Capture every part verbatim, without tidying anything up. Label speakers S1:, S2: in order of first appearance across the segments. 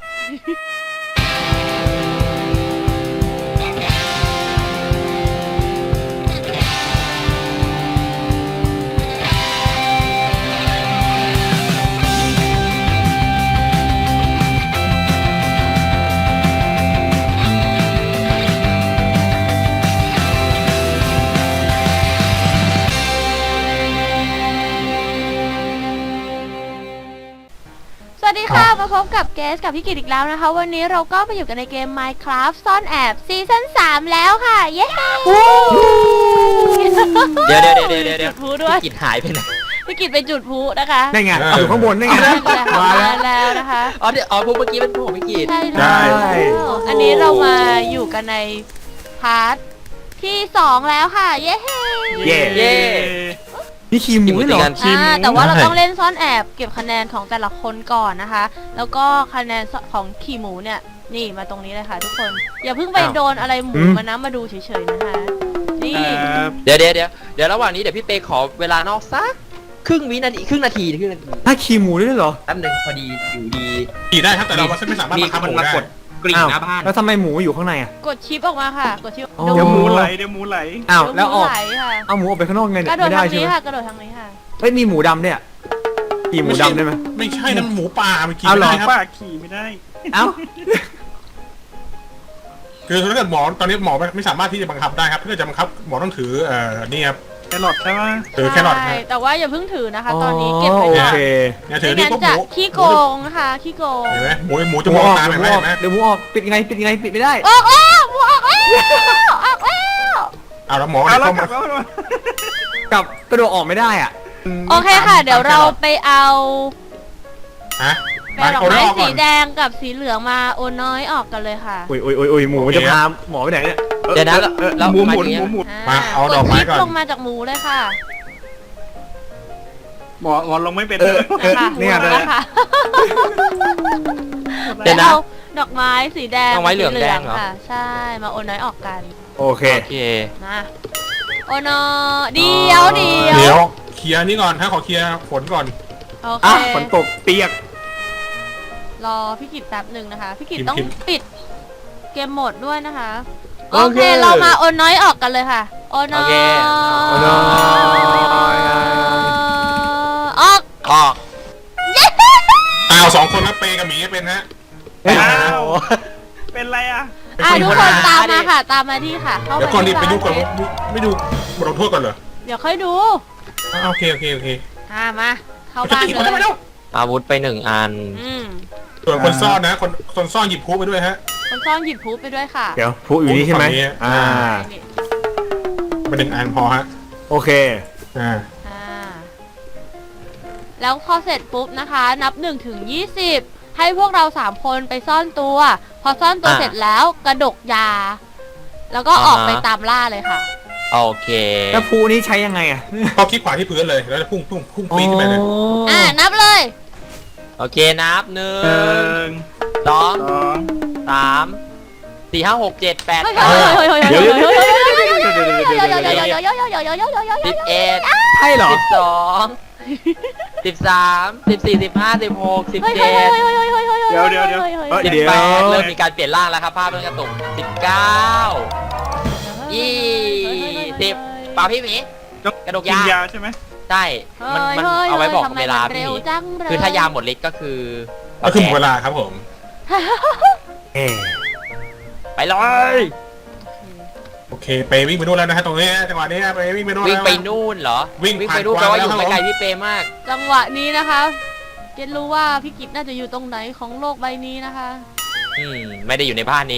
S1: สวัสดีค่ะมาพบกับเกสกับพี่กิตอีกแล้วนะคะวันนี้เราก็มาอยู่กันในเกม Minecraft ซ่อนแอบซีซั่นสามแล้วค่ะเย้
S2: เดี๋ยวเดี๋ยวเดี๋ยวเดี๋ยวเดี๋ยว
S1: จุดพลุด้วย
S2: พี่กิจหายไปไหน
S1: พี่กิตไปจุดพลุนะคะ
S3: ได้ไงอยู่ข้างบนได้ไง
S1: มาแล้วนะคะ
S2: อ๋อเดี๋ยวอ๋อพวกเมื่อกี้เป็นพวกของพี่กิจ
S1: ใช่แล้วอันนี้เรามาอยู่กันในพาร์ทที่สองแล้วค่ะเย้
S3: เย่
S2: เย่
S3: นี่คีมหมูเหรอ
S1: อ่าแต่ว่าเราต้องเล่นซ่อนแอบเก็บคะแนนของแต่ละคนก่อนนะคะ แล้วก็คะแนนของขี่หมูเนี่ยนี่มาตรงนี้เลยค่ะทุกคนอย่าเพิ่งไปโดนอะไรหมูมานะมาดูเฉยๆนะคะนี่
S2: เดี๋ยวเดี๋ยวเดี๋ยวเดี๋ยวระหว่างนี้เดี๋ยวพี่เปขอเวลานอกสักครึ่งวินาทีครึ่งนาทีครึ่งนาที
S3: ถ้าคีมหมูด้วยเหรอ
S2: แป๊บนึงพอดีอยู่ดี
S4: ขี่ได้ครับแต่เราไม่สามารถบังคับมันได้
S2: กริ่งหน้าบ้าน
S3: แล้วทำไมหมูอยู่ข้างในอ่ะ
S1: กดชิปออกมาค่ะกดชิป
S3: อ๋อ
S5: เดี๋ยวหมูไหลเดี๋ยวหมูไหล
S3: อ้าวแล้วออก
S1: ไหลค่ะ
S3: เอาหมูออกไปข้างนอกไง
S1: ก
S3: เนี่ย
S1: ระโดด
S3: ไม่ได้
S1: ทาง
S3: ใช่
S1: นี้
S3: ไหม
S1: ค่ะกระโดดทางนี้ค่ะ
S3: เฮ้ยมีหมูดำเนี่ยขี่หมูดำได้ไหม
S4: ไม่ใช่นั่นหมูป่ามันขี่
S3: เอา
S4: ไม่
S3: เหรอ
S4: ได้ครับ
S5: ป้าขี่ไม่ได้
S3: เอ้า
S4: คือถ้าเกิดหมอตอนนี้หมอไม่สามารถที่จะบังคับได้ครับถ้าเกิดจะบังคับหมอต้องถือเอ่อนี่ครับ
S5: แครอทใช่ไหม
S4: ถือแครอท
S1: ใช่
S4: นะ
S1: แต่ว่าอย่าเพิ่งถือนะคะ ตอนนี้เก็บไว้
S3: โอ
S1: ก่อน
S3: เค
S4: เนี่ยถือ
S1: ไม่
S4: นี่
S1: งั้น
S4: ปุ๊บห
S1: จะ
S4: มู
S1: ขี้โกงนะคะขี้โกง
S4: เห็นไหมหมูหมู
S3: ห
S4: จะ
S3: มู
S4: มอง
S3: ออก
S4: ตา
S3: เดี๋
S4: เห็
S3: ย
S4: น
S3: ว
S4: ไห
S3: ห
S4: ม
S3: มูอ
S4: เห็นไหม
S3: อกเดี๋ยวหมูออกปิดยังไงปิดยังไงปิดไม่ได้
S1: ออกแล้วหมูออกแล้วออกแล้ว
S4: เอาแล้วหมอ
S5: เอาแล้ว
S4: เข้าก
S5: ลั
S4: มา
S5: บแล้ว
S3: กลับกระโดดออกไม่ได้อ่ะ
S1: โอเคค่ะ เดี๋ยวเราไปเอา
S4: ฮะ
S1: แปลดอก
S4: เอา
S1: ไม้
S4: ออกก่
S1: สี
S4: อน
S1: แดงกับสีเหลืองมาโอนน้อยออกกันเลยค่ะ
S3: อุ้ยอุ้ยอุ้ยอุ้ยหมูมันจะพาหมอไปไหนเนี่ย
S2: เดี๋ยวนะแล้ว
S5: หมูห
S2: มา
S5: มุน
S2: ที
S5: หมูหมุน
S4: มาเอาดอกไม้ก่อน
S1: ดชิปลงมาจากหมูเลยค่ะ
S5: หมอหมอลงไม่เป็น
S3: เออเออ
S1: นะคะ
S3: เนี่ย
S1: หม
S3: เล
S1: ด
S3: ย
S1: แล้วค่ะ
S2: เดี๋ยวนะ
S1: อาดอกไม้สีแดง
S2: ดอกไม้เหลืองแดงเหรอ
S1: ค่ะ ใช่มาโอนน้อยออกกัน
S3: โอเค
S2: โอเค
S1: มาโอนน้อยเดียวเดียว
S4: เดี๋ยวเคลียร์นี่ก่อนถ้าขอเคลียร์ฝนก่อน
S1: โอเค
S3: อ่ะฝนตกเปียก
S1: รอพี่กิตแป๊บหนึ่งนะคะ พี่กิต
S4: กิน
S1: ต้อง
S4: กิน
S1: ปิดเกมโหมดด้วยนะคะ
S2: โอ
S1: โอ
S2: เค
S1: เค เรามาโอนน้อยออกกันเลยค่ะโอนน้อย
S2: โอเค
S3: โอนน้อย
S1: ออก
S2: ออก
S4: อ้าวสองคนนะเปกับหมีเป็นฮะ
S3: เฮ้ย
S5: อ้าวเป็นไรอ่ะ
S1: อ่ะทุกคนตามมาค่ะ ตามมาที่ค่ะ เข้า
S4: เดี๋ยว
S1: ไป
S4: ก่อนดิ
S1: ที่
S4: ไปดูก่อน
S1: บ้าน
S4: ไม่ดูบทลงโทษก่อนเหรอ
S1: เดี๋ยวค่อยดู
S4: อ่าโอเคโอเคโอเค
S1: อ่ะมา เข้า
S4: จะ
S1: บ้าน
S4: ตี
S1: เล
S4: คนได้ไหม
S1: ย
S4: เนาะ
S2: อาวุธไปหนึ่งอัน
S1: อืม
S4: ส่วนคนซ่อนนะคนคนซ่อนหยิบพูไปด้วยฮะ
S1: คนซ่อนหยิบพูไปด้วยค่ะ
S3: เดี๋ยวผู้อยู่นี่ใช่ไหม
S4: ฝั่งนี้
S3: อ่า
S1: นี่
S4: มาหนึ่งอันพอฮะ
S3: โอเค
S4: อ่า
S1: อ่าแล้วพอเสร็จปุ๊บนะคะ นับหนึ่งถึงยี่สิบให้พวกเราสามคนไปซ่อนตัว พอซ่อนตัว
S2: อ่ะ
S1: เสร็จแล้วกระดกยา แล้วก็ออก
S2: อ่าฮะ
S1: ไปตามล่าเลยค่ะ
S2: โอเค
S3: แล้วผู้นี้ใช้ยังไงอ่ะ
S4: พอคลิกขวาที่พื้นเลยแล้วจะพุ่งพุ่งพุ่งปีนขึ้นไปเลย
S1: อ่านับเลย
S2: โอเคนับหนึ่
S5: หนึ่
S2: ง
S5: ง
S2: สอง
S5: สอง
S2: สามสี่ห้าหกเจ็ดแปด
S1: เฮ้ย
S2: เก้า
S3: เดี๋ยวเดี๋ยวเดี๋ยว
S2: สิบเอ็ด
S3: ใช่เหรอ
S2: สิบสองสิบสามสิบสี่สิบห้าสิบหกสิบเจ็ด
S5: เดี๋ยวเดี๋ยวเดี๋ยว
S2: สิบแปดเริ่มมีการเปลี่ยนร่างแล้วครับภาพเริ่มกระตุกสิบเก้ายี่สิบป่าพี่หมีกระดก
S5: กิน
S2: ยาย
S5: าใช่ไหม
S2: ใช่มันมันเอาไว้บอกเวลาพี่หมีคือถ้ายาหมดฤทธิ์ก็คือ
S4: ก็คือหมดเวลาครับผม
S3: เอ๊ะ
S2: ไปเลย
S4: โอเคไปวิ่งไปนู่นแล้วนะฮะตรงนี้จังหวะนี้ไปวิ่งไปนู่น
S2: วิ่ง
S4: แล้ว
S2: ไปนู่นเหรอ
S4: วิ่ง
S2: วิ่ง
S4: ผ่าน
S2: ไปนู่นแปลว่าอยู่
S4: กวางแล้ว
S2: ไกลๆพี่เปมาก
S1: จังหวะนี้นะคะเกดรู้ว่าพี่กิตน่าจะอยู่ตรงไหนของโลกใบนี้นะคะ
S2: อืมไม่ได้อยู่ในบ้านนี้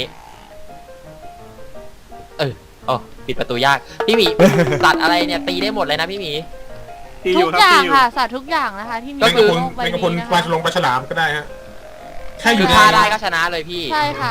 S2: เออโอ้ปิดประตูยากพี่หมีสัตว์อะไรเนี่ยตีได้หมดเลยนะพี่หมี
S5: ที่อ
S1: ทุ
S5: ยู่
S1: ก
S5: ครับ
S1: อย่าง
S5: ที่อยู่
S1: ค่ะสัตว์ทุกอย่างนะคะที่มี
S4: ก็
S1: ใน
S4: คือ
S1: โลกใบ
S4: เป็นกระพล
S1: นี้นะ
S4: ปลา
S1: คะ
S4: ฉลงปลาฉลามก็ได้ฮะแค่อ
S2: คื
S4: ยู่
S2: อ
S4: ใน
S2: ฆ่าได้ก็ชนะเลยพี่
S1: ใช่ค่ะ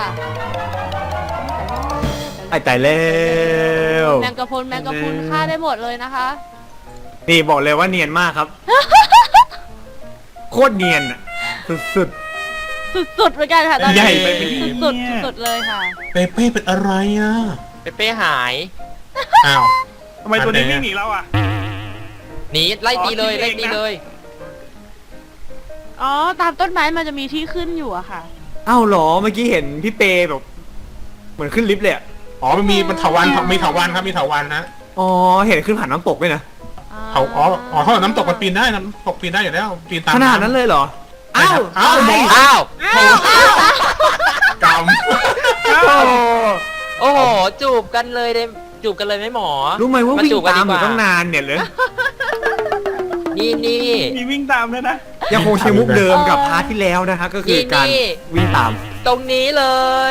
S3: ไอ้ตายแล้ว
S1: แมงกะพรุนแมงกะพรุนฆ่าได้หมดเลยนะคะ
S3: นี่บอกเลยว่าเนียนมากครับ โคตรเนียนอะสุด
S1: สุดๆเหมือนกันค่ะตอน
S3: ใหญ่
S1: นี้
S3: ไปไหมเนี่ย
S1: สุดๆสุดๆเลยค่ะ
S4: เปเป้เป็นอะไรอ่ะ
S2: เปเป้หาย
S4: อ้าว
S5: ทำไมตัวนี้วิ่งหนีเราอ่ะ
S1: น
S2: หนีไล่ตีเลย
S5: อ๋อ
S2: ไล่
S5: คิดเองนะ
S2: ตีเลย
S1: อ๋อตามต้นไม้มันจะมีที่ขึ้นอยู่อะค่ะ
S3: อ้าวเหรอเมื่อกี้เห็นพี่เปแบบ เหมือนขึ้นลิฟต์เลยอะ
S4: อ๋อมันมีมันเถาวันมีเถาวันครับมีเถาวันนะ
S3: อ๋อเห็นขึ้นผ่านน้ำตกด้วยนะ
S4: เถาอ๋ออ๋อถ้าน้ำตกมันปีนได้น้ำตกปีนได้อยู่แล้วปีนตาม
S3: ขนาดนั้นเลยเหรอ
S4: ใช่
S3: อ้า
S4: คว รับอ้าวหมอ
S2: อ้าว
S4: กรรม
S3: โอ้
S2: โอ้โหจูบกันเลยเลยจูบกันเลยไหมหมอ
S3: รู้ไหมว่าวิ่ง
S2: จูบกัน
S3: ตามอยู่
S2: ดีกว่
S3: ตั้งนานเนี่ยเลย
S2: นี่นี่
S5: มีวิ่งตามด้วยนะ
S3: ยังคงใช้มุกเดิมกับพาร์ทที่แล้วนะคะก็คือการ
S2: นี่
S3: วิ่งตาม
S2: ตรงนี้เลย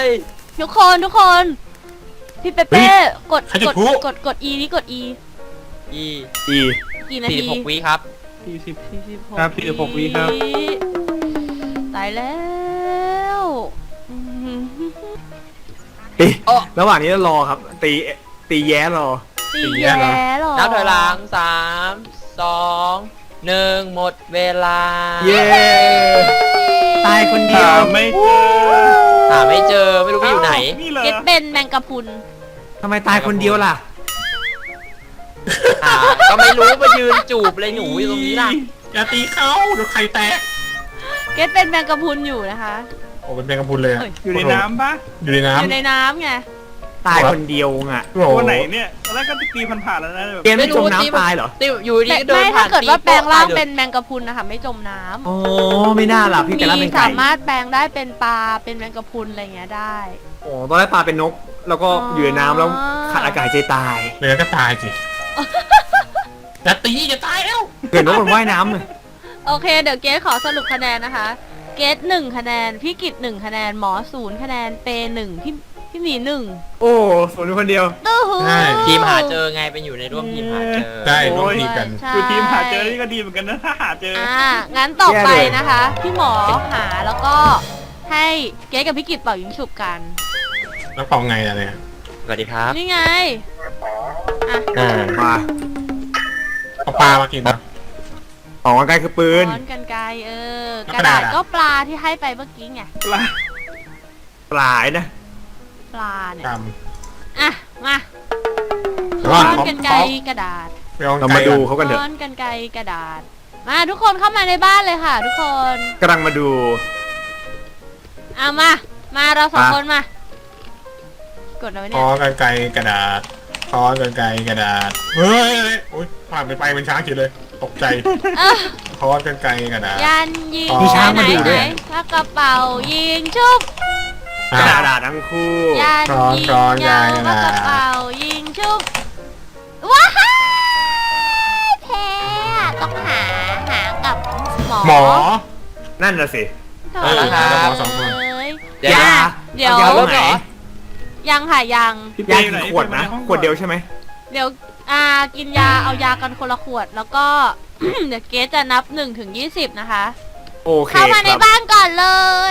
S1: ทุกคนทุกคน พี่เปเป้กด
S4: ใครจุ
S1: ก
S4: ด
S1: ด
S4: พลุ
S1: กดกด E นี่กด E
S2: อี
S3: อี
S1: กี่นา
S2: สี่
S1: ที
S2: สิบหกวิครับ
S5: สี่สิบ
S1: สี่สิบหก
S5: ครับสี่สิบหกวิครับ
S1: ตายแล้วอืม
S3: เอ๊ะ
S2: โอ้
S3: ระหว่างนี้เรารอครับ ตีตีแย้รอ
S1: ตีแย่หรอ
S2: นับถอยหลังสามสองหนึ่งหมดเวลา
S3: เย้ตายคนเดี
S5: หา
S3: ยว
S5: ไม่เจอ
S2: หาไม่เจอไม่รู้ไปอยู่ไหน
S5: นี่เหรอ
S1: เก็ตเบนแมงกะพรุน
S3: ทำไมตายคนเดียวล่ะ
S2: หาก็ไม่รู้มายืนจูบเลยหนูอยู่ตรงนี้ล่ะ
S4: อย่าตีเขาเดี๋ยวไข่แตก
S1: เก็ตเป็นแมงกะพรุนอยู่นะคะ
S4: โอ้เป็นแมงกะพรุนเลยอะ
S1: เฮ้ย
S5: อยู่ในน้ำปะ
S4: อยู่ใน
S1: อยู่
S4: น้ำ
S1: ในน้ำไง
S3: ตายคนเดียวอ่ะ
S4: โอ้โห
S5: ตัวไหนเนี่ยตอนแรกก็ตีผ่านๆแล้วนะแบบ
S3: เกมไม่จมน้ำตายเหรอ
S2: ติวอยู่ดีก็เดิ
S1: ไม่
S2: น
S1: ถ้า
S2: ผ่าน
S1: เกิด
S2: ตี
S1: ว่าแปลงร่าง
S2: โป๊ะตยลย
S1: เป็นแมงกะพรุนนะคะไม่จมน้ำ
S3: โอ้ไม่น่าล่ะพี่แต่ละ
S1: มี
S3: เป็นไก่
S1: สามารถแปลงได้เป็นปลาเป็นแมงกะพรุนอะไรเงี้ยได้
S3: โอ้ตอนแรกปลาเป็นนก แล้วก็
S1: อ๋อ
S3: อ
S1: อ
S3: ยู่ในน้ำแล้วขาดอากาศใจตาย
S4: เหลือก็ตายสิอย่าตีอย่าตายแล้ว
S3: เกิดนกมันว่ายน้ำเลย
S1: โอเคเดี๋ยวเกสขอสรุปคะแนนนะคะ เกสหนึ่งคะแนนพี่กิตหนึ่งคะแนนหมอศูนย์คะแนนเปหนึ่งพี่พี่หมีหนึ่ง
S3: โอ้สวนอยู่คนเดียว
S1: ตู้หู
S4: ใช่
S2: ทีมหาเจอไงเป็นอยู่ในร่วมทีมหาเจอ
S4: ได้ร่วมทีมกัน
S1: ใช่
S5: คือทีมหาเจอนี่ก็ดีเหมือนกันนะถ้าหาเจอ
S1: อ่างั้นต่อไป
S3: แย่เลย
S1: นะคะ พี่หมอหาแล้วก็ให้เกสกับพี่กิตเป่ายิงฉุบกัน
S4: แล้วเป่าไงอะเนี่ย
S2: สวัสดีครับ
S1: นี่ไงอ่ะ
S2: อ่า
S3: มา
S4: เอาปลามากินนะ
S3: ออกกำลังกายคือปืน
S1: ช้อนกันไกรเออ
S4: แล้ว
S1: ก
S4: ก
S1: ระ
S4: ระ
S1: ดา
S4: ดา
S1: ษ
S4: ษอะ
S1: ก็ปลาที่ให้ไปเมื่อกี้ไง
S5: ปลา
S3: ปลายนะ
S1: ปลาเนี่ย
S4: กรรม
S1: อ่ะมา
S4: แล้ว
S1: ช้
S4: ก็
S1: อน
S4: ขอ
S1: กันไกร
S4: ขอก
S1: ระดาษ
S4: ไปเอา
S3: เรา
S4: ไก่
S3: มาดู
S4: ก่อน
S3: เขากันเถอะ
S1: ช้อนกันไกรกระดาษ มาทุกคนเข้ามาในบ้านเลยค่ะ ทุกคน
S3: กำลังมาดู
S1: เอามา มาเราสอง
S3: มา
S1: คนมา กดเอาไว้
S4: ข
S1: เนี่
S4: อย กันไกลกระดาษขอกันไกลกระดาษเฮ้ยโอ๊ยผ่านไปไปเป็นช้างเฉยเลยตกใจ
S1: เอ้อ
S4: ขอกันไกลกระดาษ
S1: ยันยิง
S4: มีช้าง
S1: ไหน
S3: มาดู
S1: ไห
S3: ด้
S1: น
S3: วย
S1: ถ้ากระเป๋ายิงชุบ
S3: กระดาษทั้งคู่
S1: ยัน
S4: ช้อน
S1: ยิง
S4: ช้อน
S1: ยาว
S4: ใหญ่
S1: แล้ว
S4: นะ
S1: กระเป๋ายิงชุบว้ายแพ้อะต้องหาหากับหมอ
S4: หมอ
S3: นั่นน่ะสิ
S1: เถอะ
S4: เออ
S2: ครับ
S4: หมอสองคน
S1: เอ้ย
S2: เดี๋ยว
S3: ยา
S1: เดี๋ยว
S3: ยา
S2: เริ่
S3: ตรง
S2: ม
S3: ไหน
S2: เหรอ
S1: ยังค่ะยัง
S5: พี่
S3: ยา
S5: เป้
S3: กี่
S5: ไหน
S3: ขวดนะ
S5: ไปห้อง
S3: ขวดเดียวใช่ไหม
S1: เดี๋ยวอ่ากินยาเอายากันคนละขวดแล้วก็ เดี๋ยวเกสจะนับหนึ่งถึงยี่สิบนะคะ
S3: โอเค
S1: เข้ามาใน
S3: ครับ
S1: บ้านก่อนเลย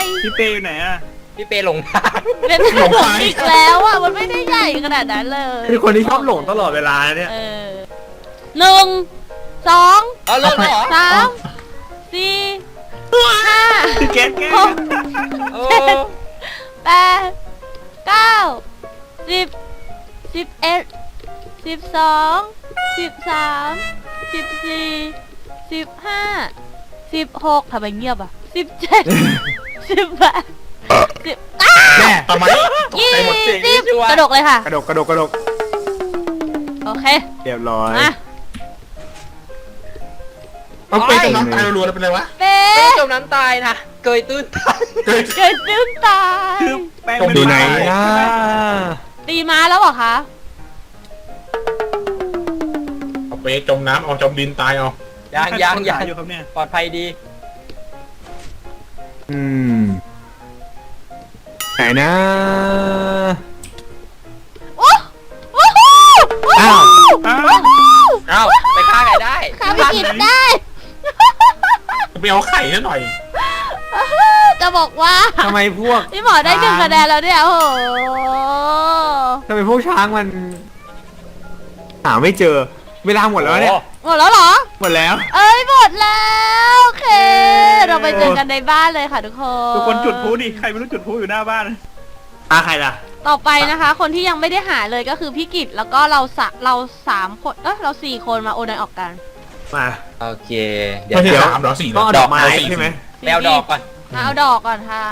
S5: พี่เป้อยู่ไหนอะ
S2: พี่เปหลงทาง
S1: เป็น
S4: หลงไป
S1: อีกแล้วอ่ะมันไม่ได้ใหญ่ขนาดนั้นเลย
S3: คือคนที่ชอบหลงตลอดเวลาเนี่ย
S1: เออหนึ่งสอง
S2: เอาเริ่มเหรอ
S1: สามสี่ห้า
S5: พี่เกตแก
S1: หก
S2: โอ้
S1: แปดเก้าสิบสิบเอ็ดสิบสองสิบสามสิบสี่สิบห้าสิบหกทำไมเงียบอ่ะสิบเจ็ดสิบแปดสิบ
S3: แม่
S4: ทำไมตก
S1: ยี่
S4: ใจหมด
S1: สิบกระดกเลยค่ะ
S3: กระดกกระดกกระดก
S1: โอเค
S3: เรียบร้อย
S1: มา
S4: เอาไปจมน้ำตายรัวๆแล้วเป็นไรวะ
S1: เป๊
S2: ไม่
S1: ะ
S2: จมน้ำตายนะเกยตื้นตาย
S4: เกิด
S1: เกิดตื้นตาย
S5: คือแป้ง
S4: ตรง
S5: เป็น
S3: ดูไหน
S5: ปลา
S3: นะ
S1: ตีม้าแล้วเหรอคะ
S4: เอาไปจมน้ำเอาจมดินตายเอา
S2: ยังยังยัง
S5: อยู่ครับเนี่ย
S2: ปลอดภัยดี
S3: อืมไหนนะ
S1: โอ้โอ้โห
S3: อ้าว
S5: อ้าว
S2: เอ้าไปฆ่าใครได้
S1: ข้าไปกินได้
S4: ไปเอาไข่ซะหน่อย
S1: จะบอกว่า
S3: ทำไมพวก
S1: พี่หมอได้หนึ่งคะแนนแล้วเนี่ยโอ้โห
S3: ทำไมพวกช้างมันหาไม่เจอ เวลาหมดแล้วเนี่ย
S1: หมดแล้วเหรอ
S3: หมดแล้ว
S1: เอ้ยหมดแล้วโอเค เราไปเจอกันในบ้านเลยค่ะทุกคน
S5: ทุกคนจุดพลุดิใครไม่รู้จุดพลุอยู่หน้าบ้าน
S3: อาใครล่ะ
S1: ต่อไปนะคะ คนที่ยังไม่ได้หาเลยก็คือพี่กิตแล้วก็เราสะเราสามคนเออเราสี่คนมาโอนอยออกกัน
S3: มา
S2: โอเคเดี๋ยว
S4: ไม่ใช่
S3: เดี๋ยว
S4: สามเหรอสี่เหร
S3: ต้อ
S4: อง
S3: เอาดอกไม้
S4: สี่
S3: ใช่ไหม
S2: แปลดอกก่อน
S1: มาเอาดอกก่อนค่ะ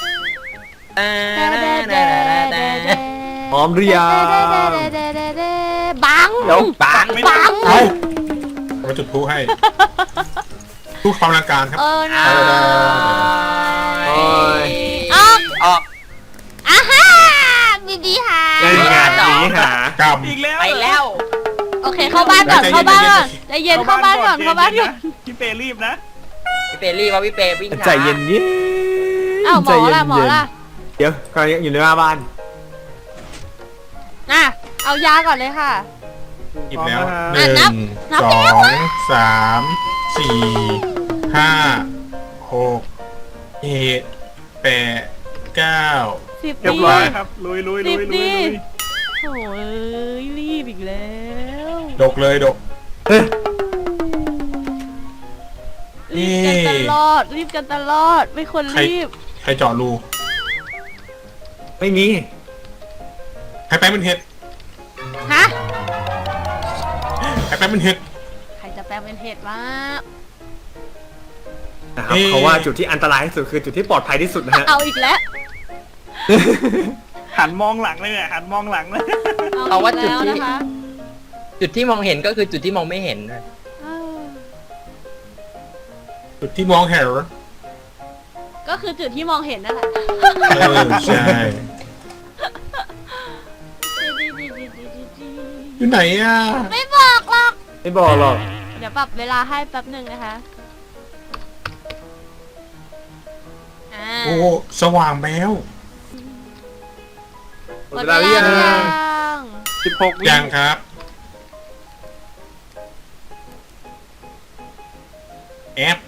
S3: พร้อมหรือยัง
S1: บัง
S3: เดี๋ยว
S2: ปัง
S1: บัง
S4: เอามาจุดพลุให้พลุความรังการครับ
S1: เออนะ
S3: โอ้ย
S1: ออก
S2: ออก
S1: อ่ะฮ่าดีดีค่ะ
S3: ได้งานนี้หาก
S4: รรม
S5: อีกแล้ว
S2: ไปแล้ว
S1: โอเคเข้าบ้านก่อนเข้าบ้านก่อนใจเย็นเข้าบ้านก่อนเข้าบ้านก่อน
S5: พี่เปรีบนะ
S2: พี่เปรีว่าพี่เปวิ่งช้า
S3: ใจเย็นเย็น
S1: อ้าวหมอล่ะหมอล่ะ
S3: เดี๋ยวกำลังอยู่ในหน้าบ้าน
S1: น่ะเอายาก่อนเลยค่ะ
S4: หยิบแล้ว
S5: พร้อม
S4: ห
S5: นะ
S4: นึ่
S1: นับ
S4: ง
S1: นับ
S4: ส
S1: แล้ว
S4: องสามสี่ห้าหกเจ็ดแปดเก้า
S1: สิบ
S5: เรียบ
S1: ดี
S5: ร้อยครับลุยลุยลุยลุยลุย
S1: โอ้ยรีบอีกแล้ว
S4: ดกเลยดก
S3: เฮ้ย
S1: รีบกันตลอดรีบกันตลอดไม่ควรรีบ
S4: ใครเจาะรู
S3: ไม่มี
S4: ใครแป้งเป็นเห็ด
S1: ฮะ
S4: ใครแป้งเป็นเห็ด
S1: ใครจะแปลงเป็นเห็ดวะ
S3: นะครับ
S4: เอ๊ะ
S3: เขาว่าจุดที่อันตรายที่สุดคือจุดที่ปลอดภัยที่สุดนะฮะ
S1: เอาอีกแล้ว
S5: หันมองหลังเลยเนี่ยหันมองหลังเลย
S2: เอาว่าจุด
S1: อีก
S2: ที่
S1: แล้วนะคะ
S2: จุดที่มองเห็นก็คือจุดที่มองไม่เห็น
S1: เออ
S4: จุดที่มองเห็น
S1: ก็คือจุดที่มองเห็นนั่นแหละ
S4: เออใช่อยู่ไหนอ่ะ
S1: ไม่บอกหรอก
S3: ไม่บอกหรอก
S1: เดี๋ยวปรับเวลาให้แป๊บหนึ่งนะคะอ่า
S4: โอ้สว่างแล้ว
S3: หมดเวลาหรือยัง
S1: ยัง
S5: สิบหกวิ
S4: ยังครับแอป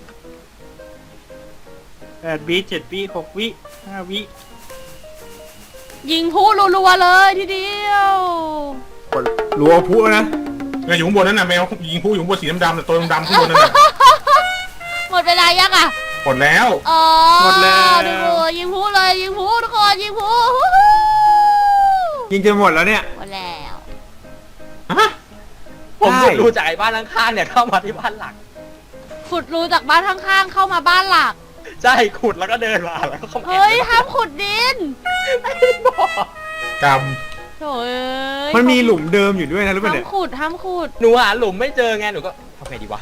S5: แปดวิเจ็ดวิหกวิห้าวิ
S1: ยิงผู้รัวๆเลยทีเดียว
S3: กดรัวพุนะ
S4: แมวอยู่ข้างบนนั่นน่ะแมวยิงผู้อยู่ข้างบนสีดำๆแต่ตัวดำๆข้างบนนั่นน่ะ
S1: หมดเวลายังอ่ะ
S4: หมดแล้ว
S1: อ๋อ
S5: หมดแล้ว
S1: ดูยิงผู้เลยยิงผู้ทุกคนยิงผู้
S3: ยิงจนหมดแล้วเนี่ย
S1: หมดแล้ว
S4: ฮะ
S2: ผม
S3: ใช่
S2: ดูจากไอ้บ้านข้างๆเนี่ยเข้ามาที่บ้านหลัก
S1: ขุดรูจากบ้านข้างๆเข้ามาบ้านหลัก
S2: ใช่ขุดแล้วก็เดินมาแล้วก็เข้ามา
S1: เฮ้ยห้ามขุดดิน
S2: บอก
S4: กรรม
S1: โถ่เอ้ย
S3: มันมีหลุมเดิมอยู่ด้วยนะรู้ป่ะ
S1: ห้าม
S3: เนี่ย
S1: ขุดห้ามขุด
S2: หนูหาหลุมไม่เจอไงหนูก็ทำไงดีวะ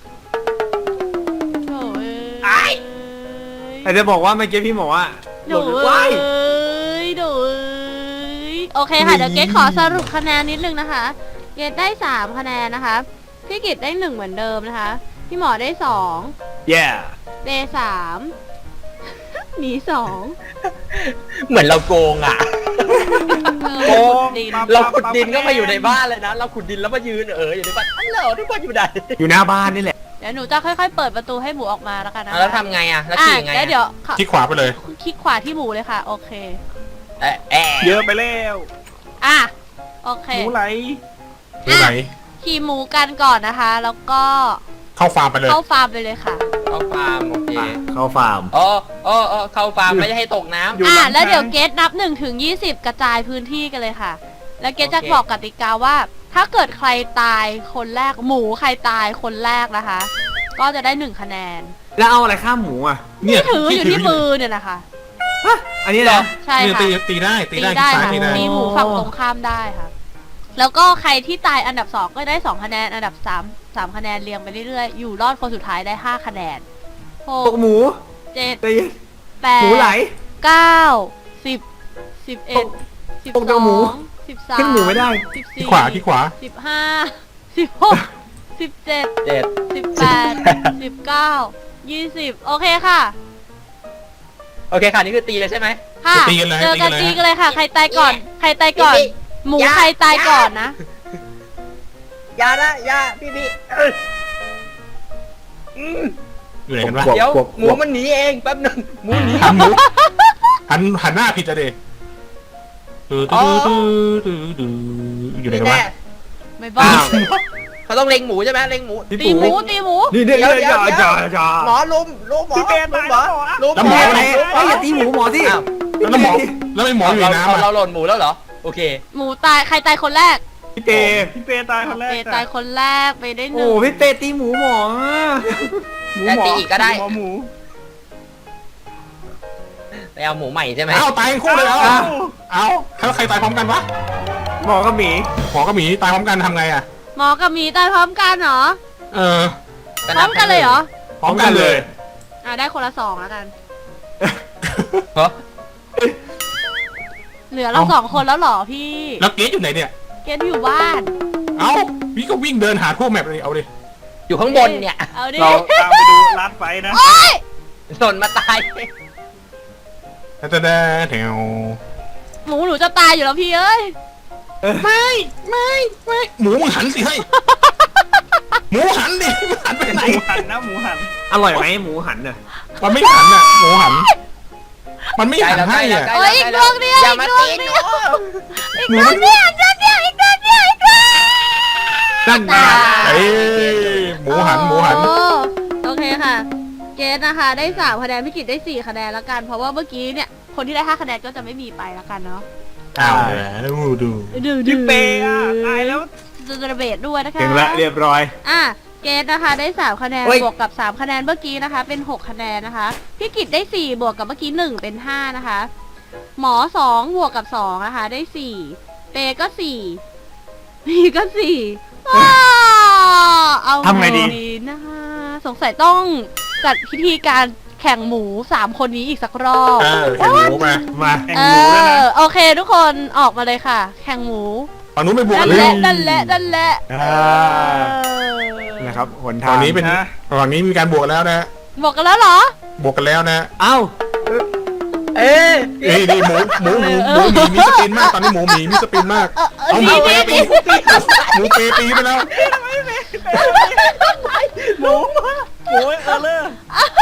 S1: โถ่เอ้
S2: ไอ้
S1: ย
S3: แต่จะบอกว่าเมื่อกี้พี่บอกว่าห
S1: โถ่
S3: ลุม
S1: เอ้
S3: ว้าย
S1: ยโถ่เอ้ยโอเคค่ะเดี๋ยวเกดขอสรุปคะแนนนิดนึงนะคะเกดได้สามคะแนนนะคะพี่กิตได้หนึ่งเหมือนเดิมนะคะพี่หมอได้สอง
S3: แย่
S1: เดย์สามหนีสอง
S2: เหมือนเราโกงอ่ะ
S1: เออขุดดิน
S2: เราขุดดินก็มาอยู่ในบ้านเลยนะ เราขุดดินแล้วมายืนเอออยู่ในบ้านฮัลโหลทุกคนอยู่ไหน
S3: อยู่หน้าบ้านนี่แหละ
S1: เดี๋ยวหนูจะค่อยๆ เปิดประตูให้หมูออกมาแล้วกันนะ
S2: อ่ะแล้วทำไงอ่ะแล้ว
S1: อ่ะ
S2: ขี่ไง
S1: แล้วเดี๋ยวขอ
S4: ที่ขวาไปเลย
S1: คลิกขวาที่หมูเลยค่ะ โอเค
S2: เอะแอะ
S5: เยอะไปแล้ว
S1: อ่ะ โอเค
S5: หมูไหล
S4: ดูไหน
S1: ขี่หมูกันก่อนนะคะ แล้วก็
S4: เข้าฟาร์มไปเลย
S1: เข้าฟาร์มไปเลยค่ะ
S2: เข้าฟาร์มโอเค
S3: เข้าฟาร์ม
S2: อ๋ออ๋ออ๋อเข้าฟาร์มไม่ได้ให้ตกน้ำ
S5: อยู่
S1: อ่ะ
S5: หลัง
S1: แล้วเดี๋ยว
S5: ทาง
S1: เกตนับหนึ่งถึงยี่สิบกระจายพื้นที่กันเลยค่ะ แล้วเกตจะ
S2: โอเค
S1: บอกกติกาว่า ถ้าเกิดใครตายคนแรกหมูใครตายคนแรกนะคะ ก็จะได้หนึ่งคะแนน
S3: แล้วเอาอะไรข้ามหมูอ่ะ
S4: เนี่ย
S1: ที่ถืออยู่ที่มือเนี่ยนะคะ
S3: ฮะอันนี้นะ
S1: ใช่
S4: เนี่ย
S1: ค่ะ
S4: ตีตีได้ตี
S1: ตี
S4: ได้
S1: ได้
S4: ที่ซ้าย
S1: ค่ะ
S4: ตีได้
S1: ตีหมูฝั่งตรงข้ามได้ค่ะ แล้วก็ใครที่ตายอันดับสองก็ได้สองคะแนน อันดับสามสามคะแนนเรียงไปเรื่อยๆ อยู่รอดคนสุดท้ายได้ห้าคะแนนห
S3: ต
S1: ก
S3: กหมู
S1: เจ็ด
S3: ตี
S1: แปด
S3: หมูไหล
S1: เก้าสิบสิบเอ็ดสิบ
S3: ตก
S1: ส
S3: จาก
S1: อ
S3: หมู
S1: งสิบสาม
S3: ขึ้นหมูไม่ได้
S1: สิบ
S4: ที่
S1: สี่
S4: ขวาที่ขวา
S1: สิบห้าสิบหกสิบเจ็ด
S2: เจ็ด
S1: สิบแปดสิบเก้ายี่สิบโอเคค่ะ
S2: โอเคค่ะนี่คือตีเลยใช่ไหม
S1: ค่ะ
S4: ตีกันเลย
S1: เจอกัน
S4: ตี
S1: ตี
S4: กั
S1: กัน
S4: น
S1: เล
S4: เลย ย
S1: ค่ะ ใครตายก่อน ใครตายก่อน
S2: พี่
S1: หมู
S2: อย่า
S1: ใครตายก่อนนะ
S2: อย่านะอย่าพี่พี่เอออืม
S4: อยู่ไหนกันวะ
S3: กวบ
S2: เดี๋ยว
S3: กวบ
S2: หมูมันหนีเองแป๊บหนึงหมูหนี
S4: หันหมูหันหันหน้าผิดอะเด็อยู่ไหนกันวะ
S2: แน่
S1: ไม่บ้า
S3: อ้าว
S2: เขาต้องเล็งหมูใช่ไหมเล็งหมู
S1: ตีหมูตีหมู
S3: นี่เนี่ย
S2: เดี๋ยว
S3: เนี่ย
S2: เดี๋ยว
S3: อย่าอย่าอย่า
S2: หมอลุมลุมหมอ
S5: พี่เปรต
S2: ลุ
S5: ตาม ย
S2: หมอ
S5: แล้วเหรอ
S2: ลุม
S3: แล้วหมอ
S2: ห
S3: อะไร
S2: ลุมหม
S3: เฮ้ยอย่าตีหมูหมอสิ
S2: อ้าว
S4: แล้วหมอแล้วไม่หมออยู่ในน้ำ
S2: เรา
S4: อ่ะ
S2: เราหล่นหมูแล้วเหรอโอเค
S1: หมูตายใครตายคนแรก
S3: พี่เต
S5: พี่เปตายคนแรก
S1: เปตายคนแรกไปได้ห
S3: โอ้
S1: นึ่ง
S3: พี่เตตีหมูหมอ
S5: หมู
S2: แต่
S5: หมอ
S2: ตีอีกก็ได้
S5: หมูหมู
S2: ไปเอาหมูใหม่ใช่ไหม
S4: เอาตายคู่เลยเอา
S5: เอ้า
S4: เอาแล้วใครตายพร้อมกันวะ
S3: หมอกับหมี
S4: หมอกับหมีตายพร้อมกันทำไงอ่ะ
S1: หมอกับหมีตายพร้อมกันเหรอ
S4: เออ
S1: พร้อมกันเลยเหรอ
S4: พร้อมกันเลย
S1: อ่ะได้คนละสองแล้วกัน
S2: เหรอ
S1: เหลือเราสองคนแล้วเหรอพี่
S4: แล้วเกสอยู่ไหนเนี่ย
S1: เกดอยู่บ้าน
S4: เอ้าพี่ก็วิ่งเดินหาทั่วแมปเลยเอาดิ
S2: อยู่ข้างบนเนี่ย
S1: เอาดิ
S5: เราตามไปดูลาดไฟนะ
S2: สนมาตาย
S4: แต่แต่แถว
S1: หมูหนูจะตายอยู่แล้วพี่เอ้ย
S4: ไม่ไม่ไม่หมูมึงหันสิเฮ้ยหมูหันดิมึงหันไป
S5: ห
S4: ไหน
S5: มูหันนะหมูหัน
S3: อร่อยไหมหมูหันน่ะ
S4: มันไม่หันอ่ะหมูหัน มันไม่
S2: ใกล้
S4: หัน
S2: แล้วใก
S4: ให้
S2: ล้แล้ว
S4: อ่ะ
S2: ใกล้
S1: โอ้ยอีกดวงเดียว
S2: อย่ามา
S1: อีกดว
S2: ตี
S1: ง
S2: ห
S1: เดี
S2: นู
S1: ยวอีกดวงเดียวอีกดวงเดียวอีกดวงเดียวอีกดวง
S3: นั่นไง
S4: เอ้ยหมูหันหมูหัน
S1: โอ้โอเคค่ะ เกดนะคะได้สามคะแนนพี่กิตได้สี่คะแนนแล้วกัน เพราะว่าเมื่อกี้เนี่ยคนที่ได้ห้าคะแนนก็จะไม่มีไปแล้วกันเนาะ
S4: อ้าวแล้วดู
S1: ดู
S5: พี่เปอ่ะตายแล้ว
S1: จะระเบิดด้วยนะคะ
S3: ถึงละเรียบร้อย
S1: อ่ะเกดนะคะได้สามคะแนน
S3: เฮ้ย
S1: บวกกับสามคะแนนเมื่อกี้นะคะ เป็นหกคะแนนนะคะพี่กิตได้สี่บวกกับเมื่อกี้หนึ่งเป็นห้านะคะ หมอสองบวกกับสองนะคะ ได้สี่เปก็สี่พีก็สี่ว้าวเอา
S3: ทำไงดี
S1: นะคะสงสัยต้องจัดพิธีการแข่งหมูสามคนนี้อีกสักรอบ
S4: เออแข่งหมูมา
S3: มา
S5: แข่ง
S1: เอ
S5: หมูแล้วนะ
S1: อโอเคทุกคนออกมาเลยค่ะ แข่งหมู
S4: ฝั่งนู้นไม่บวก
S1: นั่น
S4: เล
S1: แห
S4: ย
S1: ละนั่นแหละนั่นแหละ
S3: อ่า
S1: เออ
S3: นะครับหนทา
S4: ฝั่
S3: ง
S4: งนี้เป็นฝั่งนี้มีการบวกแล้วนะ
S1: บอกกันแล้วเหรอ
S4: บวกกันแล้วนะ
S3: เอ้า
S2: เอ๊ะ
S4: เอ้ยนี่หมูหมูหมูหมูหมีมีสปินมากตอนนี้หมูหมีมีสปินมาก
S1: เออเออ
S4: เอาหมู
S1: นี่
S4: เป
S1: นี่
S4: ตีหมูเปตีไปแล้ว
S5: หมูหมูเออเลอร์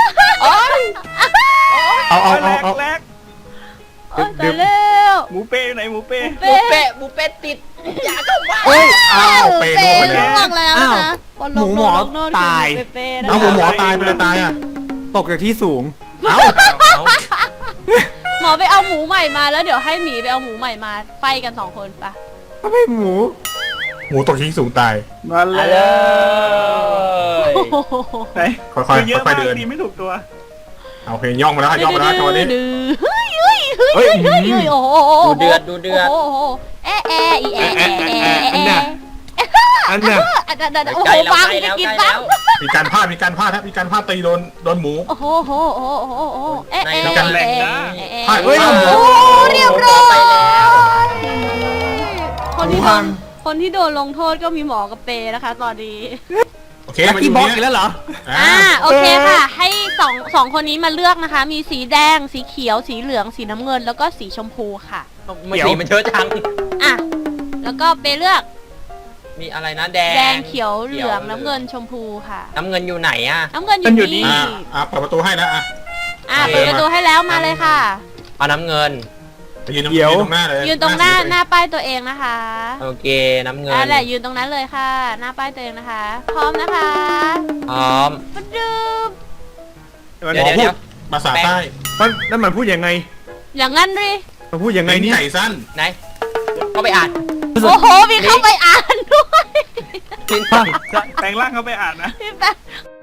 S4: เอาเอา
S5: แร
S4: เอา
S5: ก
S4: เอา
S5: แรก
S1: โอ๊ยตายแล้ว
S5: หมูเปอยู่ไหนหมูเป
S2: หมูเปะหมูเปะติดอย่าเข้ามา
S3: เอ้ย
S4: อ้าวเป
S1: เป
S4: โดนไป
S1: ล่
S4: แล้ว
S1: วงแล้ว
S3: อ้าว
S1: นะบนลง
S3: หมูหมอ
S1: ลงโน่น
S3: ตาย
S1: คือเปๆนะ
S4: เอาหมูหมอตายไปเลยตายอ่ะ
S3: ตกจากที่สูง
S4: เอา
S2: เอา
S1: หมอไปเอาหมูใหม่มาแล้วเดี๋ยวให้หมีไปเอาหมูใหม่มาไฟกันสองคนปะ
S3: ก็ไม่หมู
S4: หมูตกที่สูงตาย
S5: มา
S2: เอา
S5: เล
S2: เลย ย
S1: โอ้โห
S5: ไหน
S4: ค่อยๆ
S5: เยอะ
S4: ค่
S5: มา
S4: อยๆเดิน
S5: กดีไม่ถูกตัว
S4: เอาเพลงย่องมาแล้วย่องมาแล้วจังหวะนี้
S1: ดื้อเฮ้ยเฮ้ยเฮ้ย
S3: เฮ้ย
S1: เฮ้ยเฮ้ยโอ้โห
S2: ดูเดือดดูเดือด
S1: โอ้โหแอะแอะอีแอะแอะแอะ
S3: อัน
S1: แอะ
S3: น่ะอันน่ะ
S1: อันนั้นโอ้
S2: ใก
S1: โห
S2: ล้แล้ว
S1: ฟัง
S2: ใกล้
S1: จะ
S2: แล้ว
S1: กิน
S2: ใกล้
S1: บ้า
S2: แล้
S1: ง
S2: ว
S4: มีการพลาดมีการพลาดครับมีการพลาดตีโดนโดนหมู
S1: โอ้โหโอ้โหโอ้โหโอ้โหเอ๊ะ
S2: ใน
S1: เอ๊ะ
S2: กันแหล่ง
S1: เอ๊ะ
S2: นะ
S1: เอ๊ะ
S4: พลาด
S1: เอ๊ะ
S4: พลาดหมู
S1: โอ้เรียบร้อย
S2: ไปแล้ว
S1: คนที่
S3: หมู
S1: โด
S3: พั
S1: น
S3: ง
S1: คนที่โดนลงโทษก็มีหมอกับเปนะคะ ตอนนี้
S4: โอเค
S3: ลัก
S4: มา
S3: กี้
S4: ดู
S3: บ็อก
S4: นี้
S3: อีกแล้วเหรอ
S4: อ่า
S1: อ่าโอเคค่ะ ให้สองสองคนนี้มาเลือกนะคะ มีสีแดง สีเขียว สีเหลือง สีน้ำเงิน แล้วก็สีชมพูค่ะ
S2: มันสีมันเยอะจัง
S1: อ่ะ แล้วก็เปเลือก
S2: มีอะไรนะแดง
S1: แดงเขียวเหลืองน้ำเงินชมพูค่ะ
S2: น้ำเงินอยู่ไหนอะ
S1: น้ำเงินอ
S5: มันอยู่
S1: ยู่
S5: นี่
S1: นี่
S4: อ่าอ่าเปิดประตูให้แล้วอ่ะ
S1: อ่ะเปิดประตูให้แล้วมาเลยค่ะ
S2: เอาน้ำเงิน
S4: ไปยืนตรง
S3: เดี๋ยว
S4: ยืนตรงหน้าเลย
S1: ยืนตรงหน้า
S4: สี
S1: หน้าป้ายตัวเองนะคะ
S2: โอเคน้ำเงิน
S1: อ่ะแหละยืนตรงนั้นเลยค่ะ หน้าป้ายตัวเองนะคะ พร้อมนะคะ
S2: พร้อม
S1: มาดื่ม
S2: เดี๋ยวเดี๋ยวเดี๋ยว
S4: ภาษาใต้
S3: มันนั่นมันพูดยังไง
S1: อย่างนั้นดิ
S3: มันพูดยังไง
S4: ไง
S3: เนี่ย
S4: ไก่สั้น
S2: ไหนก็ไปอ่าน
S1: โอ้โห มีเข้าไปอ่านด้วย
S5: แปลงร่างเขาไปอ่านนะ
S1: พี่แป๊ะ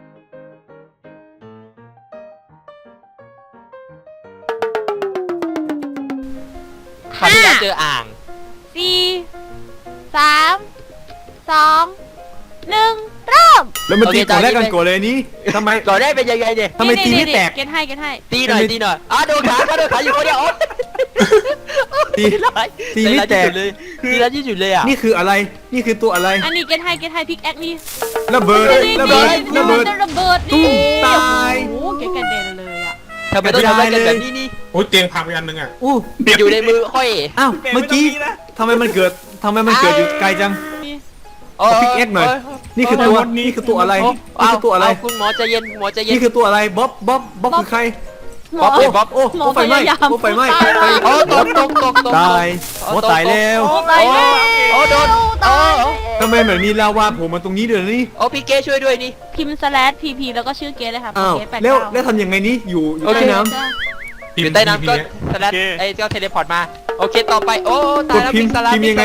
S2: คราวที่แล้วเจออ่าง
S1: สี่สามสองหนึ่งเริ่ม
S3: แล้วมัน
S2: โอเค
S3: ตีก่อนแรก
S2: ตอนนี้
S3: กันก่อนเลยนี่ทำไม
S2: ก่อนได้เป็นยังไงเนี่ย
S3: ทำไมตีไม่แตก
S1: เกณฑ์ให้เกณฑ์ให้
S2: ตีหน่อยตีหน่อยอ่ะโดนขาโดนขาอยู่คนเดียวโอ๊ย
S3: ตี
S2: ร้าย
S3: ตีไม่แตก
S2: ใจร้ายที่สุดเลยตีร้ายที่สุดเลยอ่ะ
S3: นี่คืออะไร นี่คือตัวอะไร
S1: อันนี้เกณฑ์ให้เกณฑ์ให้พิกแอคนี่
S3: ระเบิด
S1: นี่
S3: ระเบิด
S1: นี่
S3: ระเบิด
S1: ระเบิด
S3: ตุ้
S1: นี่
S3: มตาย
S1: โอ้โหเกณฑ์กระเด็นเลยอ่ะ
S2: ทำไมต้องทำอะไรกันแบบนี้นี่
S4: โอ้ยเตียงพังไปอันนึงอ่ะ
S3: อู้
S2: อยู่ในมือค่อย
S3: อ้าว เมื่อกี้ทำไมมันเกิดทำไมมันเกิดอยู่ไกลจัง
S2: โอ้
S3: เอา Pick X หน่อย นี่คือตัว นี่คือตัวอะไร นี่คือตัวอะไร
S2: เาคุณหมอใจเย็นหมอใจเย็น
S3: นี่คือตัวอะไร บ๊อบ บ๊อบ บ๊อบคือใคร
S1: หม
S2: บ๊
S1: อ
S2: อบเลยบ๊อบ
S3: โอ้
S1: หมอ
S3: โอ้ไฟไหม้
S1: พยายาม
S3: โอ้ไฟไหม้
S1: ตาย
S3: ไฟ
S2: โอ้ตกตกตกตก
S3: ตายโอ้ตายแล้ว
S1: โอ้ตายแล้ว
S2: โอ้โดน
S1: ตาย
S2: โอ้
S3: ทำไมเหมือนมีลาวาโผล่มาตรงนี้เดี๋ยวนี้
S2: โอ้พี่เก้ช่วยด้วยนี่
S1: พิมพ์ slash pp แล้วก็ชื่อเกณฑ์เลยค่ะ
S3: อ้าว
S1: เกณฑ์แปด
S3: แล้ว
S1: เก้า
S3: แล้วทำยังไงนี่อยู่อยู่
S2: โอเค
S3: ใต้น้
S2: อยู่ใต้น้ำก็สลัดไอ้เจ้าเทเลพอร์ตมาโอเคต่อไปโอ้
S3: ำ
S2: ตายแล้ว
S3: พิม
S2: พิ
S3: พ์
S2: งสลัด
S3: พิมพ์
S2: พิง
S3: ยัง
S2: ส
S3: ไง
S2: ลัด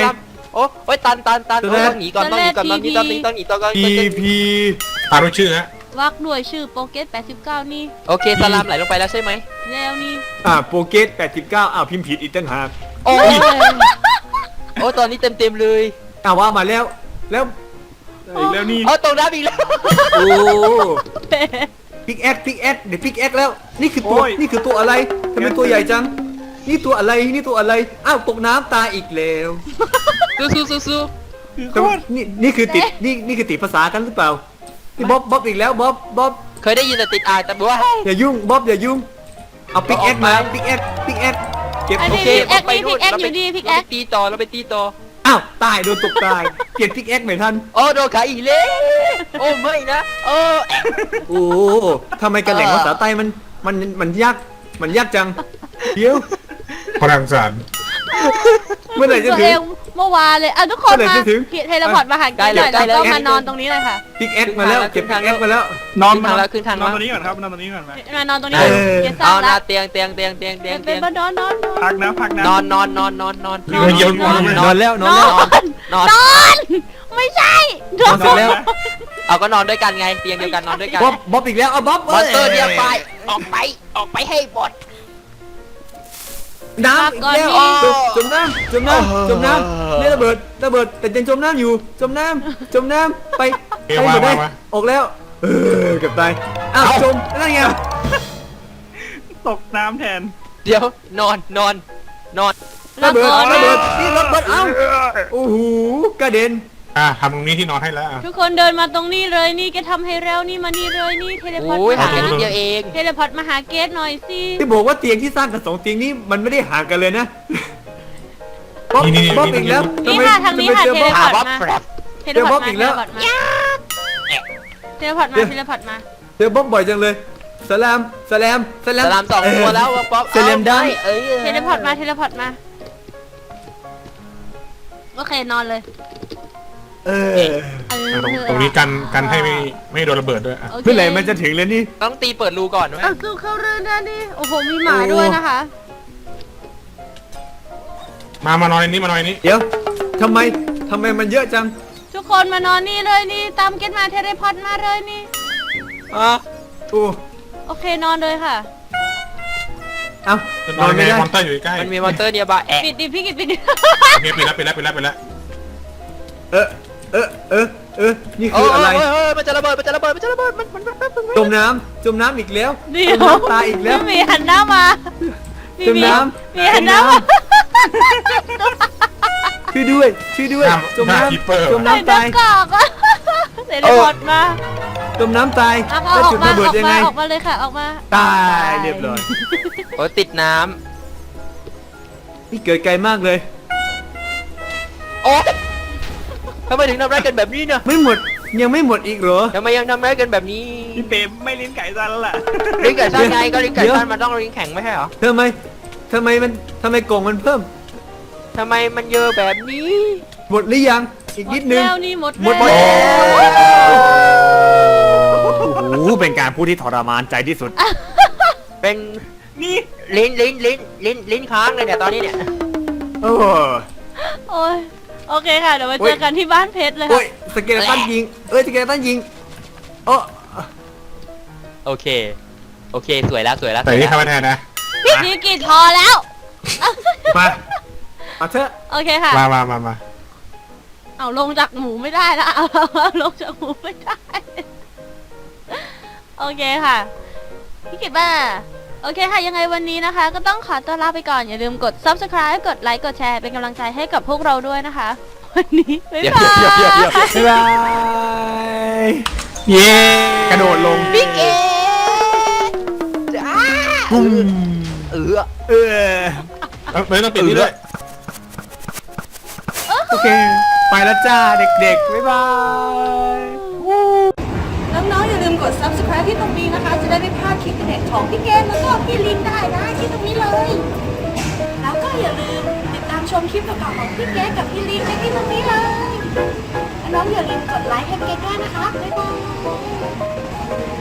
S2: โอ้โอ้ยตันตันตันโอ้ยต้องหนีก่อนต้องหนีก่อนต้องหนีต้องหนีต้องหนีต้องหนี
S4: พีพีอ่านว่าชื่อฮะ
S1: วักด้วยชื่อโปเกตแปดสิบเก้านี่
S2: โอเคสลามไหลลงไปแล้วใช่ไหม
S1: แล้วนี่
S3: อ่าโปเกตแปดสิบเก้าอ้าวพิมพ์ผิดอีกตั้งหาก
S2: โอ้ยโอ้ตอนนี้เต็มเต็มเลย
S3: อ้าวว่ามาแล้ว แล้ว
S5: อีกแล้วนี่
S2: โอ้ตรงน้ำอีกแล้ว
S3: โอ้พิกแอคพิกแอคเดี๋ยวพิกแอคแล้ว นี่คือตัว นี่คือตัวอะไรทำไมตัวใหญ่จัง นี่ตัวอะไร นี่ตัวอะไร อ้าวตกน้ำตายอีกแล้ว
S2: สู้สู้สู้สู้
S5: คือโค
S3: แต่ว่า
S5: ตร
S3: นี่นี่คือติด นี่นี่คือติดภาษากันหรือเปล่านี่บ๊อบบ๊อบอีกแล้วบ๊อบบ๊อบ
S2: เคยได้ยินแต่ติดอ่านแต่ว่า
S3: อย่ายุ่งบ๊อบอย่ายุ่ง เอาพิกแอคมาพิกแอคพิกแอคเก็บ
S1: อัน
S3: โอ
S1: นี้
S3: เค
S1: พิกแอคนี่พิกแอคอยู่ดีพิกแอ
S2: เรา
S1: ค
S2: ไปตีต่อเราไปตีต่อ
S3: อ้าวตายโดนตกตายเปลี่ยนพิกแอคไม่ทัน
S2: โอ้โดนขาอีกแล้วโอ้ไม่นะโอ้
S3: โอ้ทำไมกันแหล่งภาษาใต้มันมันมันยากมันยากจังเดี๋ยว
S4: พลังสาร
S3: เมื่อไหร่จะ
S1: ตัว
S3: ถึ
S1: เอง งเมื่อวานเลยอ่ะทุกคน
S3: เมื่อไหร่
S1: มา
S3: จะถึง
S1: เทเลพอร์ตมาหากันหน่อยแล้วก็มานอนตรงนี้เลยค่ะ
S3: พิกแอคมาแล้วเก็บพิกแอคมาแล้ว
S5: นอน
S2: ขึ้นทางแล้วขึ้นทาง
S5: น
S2: แล้
S5: อน
S2: ว
S5: ตรงนี้ก่อนครับนอนตรงนี้ก่อนไหม
S1: มานอนตรงนี้
S3: เออ
S1: เกสร้า
S2: เอา
S1: ง
S2: หน้า
S1: ละ
S2: เตียงเตียงเตียงเตียงเตียง
S1: เป็
S2: เตี
S1: น
S2: ยง
S1: มานอนนอนนอน
S5: พักนะพักนะ
S2: นอนนอนนอนนอนนอน
S4: เยอะเยอะ
S3: นอนนอนแล้วนอน
S1: น
S3: แล้ว
S1: อน
S2: นอน
S1: นอนไม่ใช่น
S3: น
S1: อ
S3: อน นเสร็จแล้ว
S2: เอาก็นอนด้วยกันไงเตียงเดียวกันนอนด้วยกัน
S3: บ๊อบบ๊อบอีกแล้วเอาบ๊อบ
S2: มอนสเตอร์เดียวไปออกไปออกไปให้หมด
S3: น้ำอีกแล้วจมน้ำจมน้ำจมน้ำนี่ระเบิดระเบิดแต่ยังจมน้ำอยู่จมน้ำจมน้ำไปไปหมดได้ออกแล้วเออเกือบตายอ้าวจมนั่นไง
S5: ตกน้ำแทน
S2: เดี๋ยวนอนนอนนอน
S3: ระเบิดระเบิดนี่ระเบิดเอ้าโอ้โหกระเด็น
S4: อ่ะทำตรงนี้ที่นอนให้แล้วอ่ะ
S1: ทุกคนเดินมาตรงนี้เลยนี่แกทำให้เร็วนี่มานี่เลยนี่เทเลพอร์ต
S2: โอ้ย
S1: มา
S2: ห่างกันนิดเดียวเอง
S1: เทเลพอร์ตมาหาเกสหน่อยสิ
S3: ที่บอกว่าเตียงที่สร้างกันสองเตียงนี้มันไม่ได้ห่างกันเลยนะบ๊อบ
S4: นี่นี่
S3: บ๊อบ
S4: นี่
S3: อีกแล้ว
S1: นี่ค่ะทางนี้ค่ะ
S3: ทำไม
S1: เท
S3: เจอ
S1: เล
S3: บ๊อบ
S1: พอร์ต
S2: อ่ะ
S1: มา
S2: บ๊อบแฟบ
S1: เทเลพอร์ต
S3: เจอบ๊อบอี
S1: มาก เท
S3: แล้
S1: เล
S3: ว
S1: พอร์ตมาเทเลพอร์ตมาเทเลพอร์ตมา
S3: เจอบ๊อบบ่อยจังเลยสลามสลามสลาม
S2: สลามสองตัวแล้วป๊อป
S3: สลามได้
S2: เอ้ย
S1: เทเลพอร์ตมาเทเลพอร์ตมาโอเคนอนเลย
S3: เออ
S1: เออ
S4: อ่ะตรงตรงนี้กันกันให้ไม่ไม่โดนระเบิดด้วยอ่ะ
S1: โอเค
S3: เมื่อไหร่มันจะถึงแล้วนี่
S2: ต้องตีเปิดรูก่อนไหม
S1: เอาสู้เข้าเรื่องได้ดิโอ้โหมีหมาด้วยนะคะ
S4: มามานอนในนี้มานอนในนี้
S3: เดี๋ยวทำไมทำไมมันเยอะจัง
S1: ทุกคนมานอนนี่เลยนี่ตามเกสมาเทเลพอร์ตมาเลยนี่
S2: อ่ะ
S3: โอ้
S1: โอเคนอนเลยค่ะ
S3: เอ้า
S4: จะ
S3: น
S4: น
S3: อ
S4: อน น
S3: ไม่
S4: ใน
S3: ได้
S4: มอนเตอร์อยู่ใกล้
S2: มันมีมอเตอร์เดียวบาแอะ
S1: ปิดดิพี่กิดปิดดิ
S4: โอเคปิดแล้วปิดแล้วปิดแล้วปิดแล้ว
S3: เออเออเออเออนี่
S2: โอ้
S3: คือย อะไร
S2: โอ้ยโอ้ยมันจะระเบิดมันจะระเบิดมันจะระเบิดมันมันมันมันมัน
S3: จมน้ำจมน้ำอีกแล้ว
S1: เดี๋
S3: จ
S1: ยว
S3: มน้ำตายอีกแล้ว
S1: พี่หมีหันหน้ามาพี่
S3: จม
S1: หมี
S3: น้ำ
S1: มีหันหน้ามา
S3: ช่วยด้วยช่วยด้วย
S4: หน้า
S3: จม
S4: หน้า
S3: น้
S4: คีเปอร์
S3: ำจม
S1: ไอ้
S3: น้ำ
S1: ดอ
S3: ตาก ย
S1: กอกอะเทเลพอร์ตมา
S3: จมน้ำตาย
S1: เอา
S3: แล้ว
S1: ออ
S3: จุ
S1: ก
S3: ด
S1: มา
S3: ระเบิ
S1: อ
S3: ด
S1: อก
S3: ยัง
S1: มา
S3: ไง
S1: ออกมาเลยค่ะออกมา
S3: ตายเรียบร้อย
S2: โอ้ยติดน้
S3: นี่เกิดไกลมากเลย
S2: ำโอ้ยทำไมถึงทำร้ายกันแบบนี้เนี่ย
S3: ไม่หมดยังไม่หมดอีกเหรอ
S2: ทำไมยังทำร้ายกันแบบนี้
S5: พี่เปรมไม่ลิ้นไก่ซันแล้วล่ะ
S2: ลิ้นไก่สั้นไงก็ลิ้นไก่
S3: เดี๋ยว
S2: สั้นมันต้องลิ้นแข็งไม่ใช่เหรอ
S3: ทำไมทำไมมันทำไมกล่องมันเพิ่ม
S2: ทำไมมันเยอะแบบนี้
S3: หมดหรือยังอีกนิดนึง
S1: แล้วนี่หมด
S3: หมด
S1: แล้ว
S3: โอ้โหเป็นการพูดที่ทรมานใจที่สุด
S2: เป็น
S5: นี่
S2: ลิ้นลิ้นลิ้นลิ้นลิ้นค้างเลยเนี่ยตอนนี้เนี่ย
S3: โอ้
S1: โอ้ยโอเคค่ะเดี๋ยวมา
S3: โอ้
S1: เจ
S3: ย
S1: อกันที่บ้านเพชรเลย
S3: โอ้
S1: ค่ะ
S3: ยสเกเลตันยิงเอ้ยสเกเลตันยิงโอ้
S2: โอเคโอเคสวยแล้วสวยแล้ว
S4: แต่นี่ทำมาแทนนะ
S1: พี่กิดพอแล้ว
S3: มามาเถอะ
S1: โอเคค่ะ
S4: มามามามา
S1: เอาลงจากหมูไม่ได้แล้วเอาเอาลงจากหมูไม่ได้ โอเคค่ะ พี่กิตบ้าโอเคค่ะยังไงวันนี้นะคะ ก็ต้องขอตัวลาไปก่อนอย่าลืมกด ซับสไครบ์ กดไลค์กดแชร์เป็นกำลังใจให้กับพวกเราด้วยนะคะ วันนี้บ๊าย
S2: เดี๋ยว
S1: บาย
S2: เดี๋ยวเดี๋ยวเดี๋ยว
S3: บ๊ายบาย
S4: เย้
S3: กระโดดลง
S2: บิ๊กเอจ้า
S3: ปุ้ม
S2: เออ
S3: เออ
S4: เอ้ยไม่ต้องปิดนี่ด้วย
S3: โอเค ไปแล้วจ้าเด็กๆ บ๊ายบาย
S1: น้องๆอย่าลืมกด ซับสไครบ์ ที่ตรงนี้นะคะ จะได้ไม่พลาดคลิปเด็ดของพี่เกมแล้วก็พี่ลินได้นะที่ตรงนี้เลย แล้วก็อย่าลืมติดตามชมคลิปเก่าๆของพี่เกมกับพี่ลินได้ที่ตรงนี้เลยน้องๆอย่าลืมกดไลค์ให้เกมด้วยนะคะบ๊ายบาย